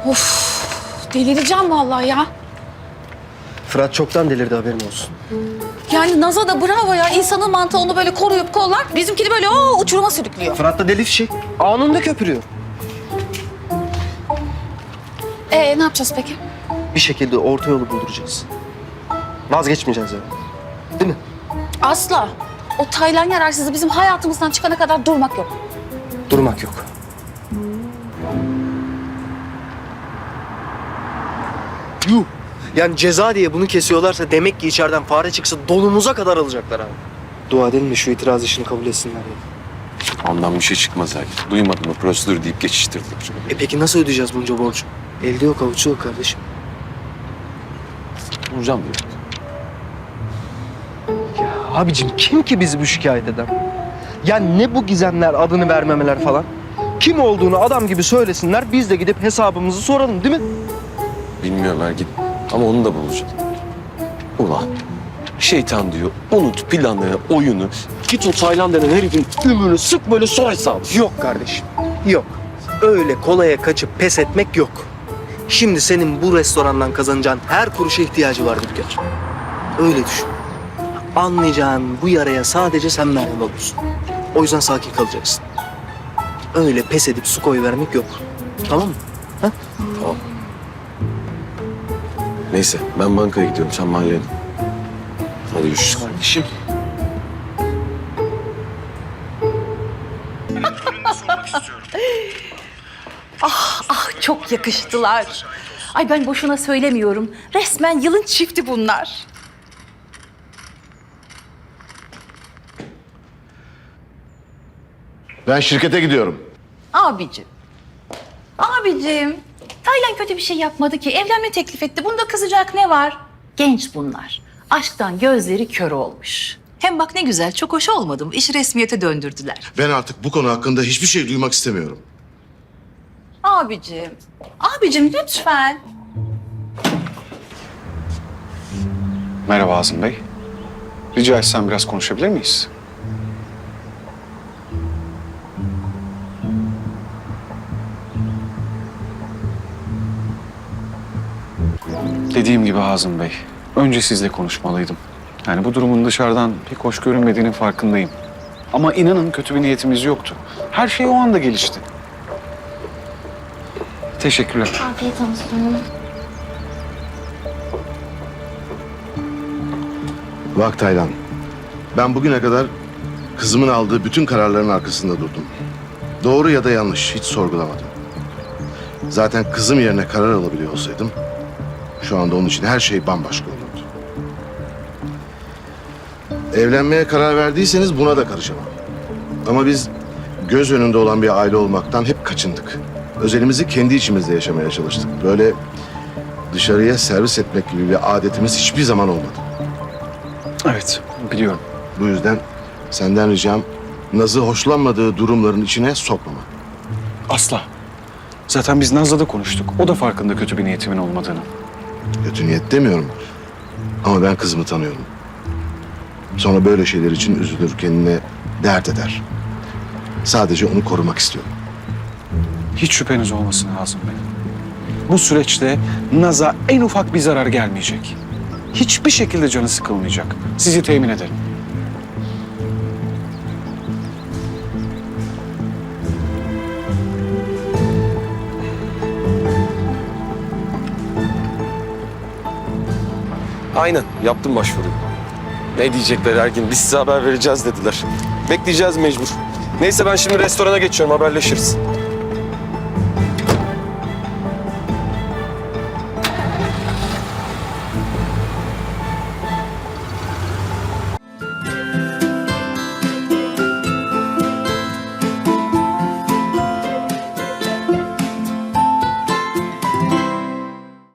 Of, delireceğim vallahi ya. Fırat çoktan delirdi, haberin olsun. Yani Naz'a da bravo ya. İnsanın mantığı onu böyle koruyup kollar. Bizimkini böyle uçuruma sürüklüyor. Fırat da deli fişek. Anında köpürüyor. Ne yapacağız peki? Bir şekilde orta yolu bulduracağız. Vazgeçmeyeceğiz yani. Değil mi? Asla. O Taylan yararsızı bizim hayatımızdan çıkana kadar durmak yok. Durmak yok. Yuh! Yani ceza diye bunu kesiyorlarsa demek ki içeriden fare çıksa donumuza kadar alacaklar abi. Dua edelim de şu itiraz işini kabul etsinler ya. Ondan bir şey çıkmaz abi. Duymadın mı? Prosedür deyip geçiştirdiler. Peki nasıl ödeyeceğiz bunca borcu? Elde yok, avuçta yok kardeşim. Vuracağım diyor. Abicim kim ki bizi bu şikayet eden? Ya ne bu gizemler, adını vermemeler falan? Kim olduğunu adam gibi söylesinler, biz de gidip hesabımızı soralım, değil mi? Bilmiyorum Ergin. Ama onu da bulacağım. Ulan şeytan diyor. Unut planı, oyunu. Git o Taylan denen herifin ümrünü sık böyle sor hesabı. Yok kardeşim, yok. Öyle kolaya kaçıp pes etmek yok. Şimdi senin bu restorandan kazanacağın her kuruşa ihtiyacı var Dülger. Öyle düşün. Anlayacağın bu yaraya sadece sen merhem olursun. O yüzden sakin kalacaksın. Öyle pes edip su koyuvermek yok. Tamam mı? Ha? Tamam. Neyse ben bankaya gidiyorum. Sen mahalleye dön. Hadi görüşürüz. Kardeşim. Çok yakıştılar. Ay ben boşuna söylemiyorum. Resmen yılın çifti bunlar. Ben şirkete gidiyorum. Abicim. Abicim. Taylan kötü bir şey yapmadı ki. Evlenme teklif etti. Bunda kızacak ne var? Genç bunlar. Aşktan gözleri kör olmuş. Hem bak ne güzel, çok hoş olmadı mı? İşi resmiyete döndürdüler. Ben artık bu konu hakkında hiçbir şey duymak istemiyorum. Abicim. Abicim lütfen. Merhaba Azim Bey. Rica etsem biraz konuşabilir miyiz? Dediğim gibi Azim Bey, önce sizle konuşmalıydım. Yani bu durumun dışarıdan pek hoş görünmediğinin farkındayım. Ama inanın kötü bir niyetimiz yoktu. Her şey o anda gelişti. Teşekkürler. Afiyet olsun. Bak Taylan, ben bugüne kadar kızımın aldığı bütün kararların arkasında durdum. Doğru ya da yanlış hiç sorgulamadım. Zaten kızım yerine karar alabiliyor olsaydım, şu anda onun için her şey bambaşka olurdu. Evlenmeye karar verdiyseniz buna da karışamam. Ama biz göz önünde olan bir aile olmaktan hep kaçındık. Özelimizi kendi içimizde yaşamaya çalıştık. Böyle dışarıya servis etmek gibi bir adetimiz hiçbir zaman olmadı. Evet, biliyorum. Bu yüzden senden ricam Naz'ı hoşlanmadığı durumların içine sokmama. Asla. Zaten biz Naz'la da konuştuk. O da farkında kötü bir niyetimin olmadığını. Kötü niyet demiyorum. Ama ben kızımı tanıyorum. Sonra böyle şeyler için üzülür, kendine dert eder. Sadece onu korumak istiyorum. Hiç şüpheniz olmasın Azim Bey. Bu süreçte Naz'a en ufak bir zarar gelmeyecek. Hiçbir şekilde canı sıkılmayacak. Sizi temin ederim. Aynen yaptım başvuruyu. Ne diyecekler Ergin? Biz size haber vereceğiz dediler. Bekleyeceğiz mecbur. Neyse ben şimdi restorana geçiyorum, haberleşiriz.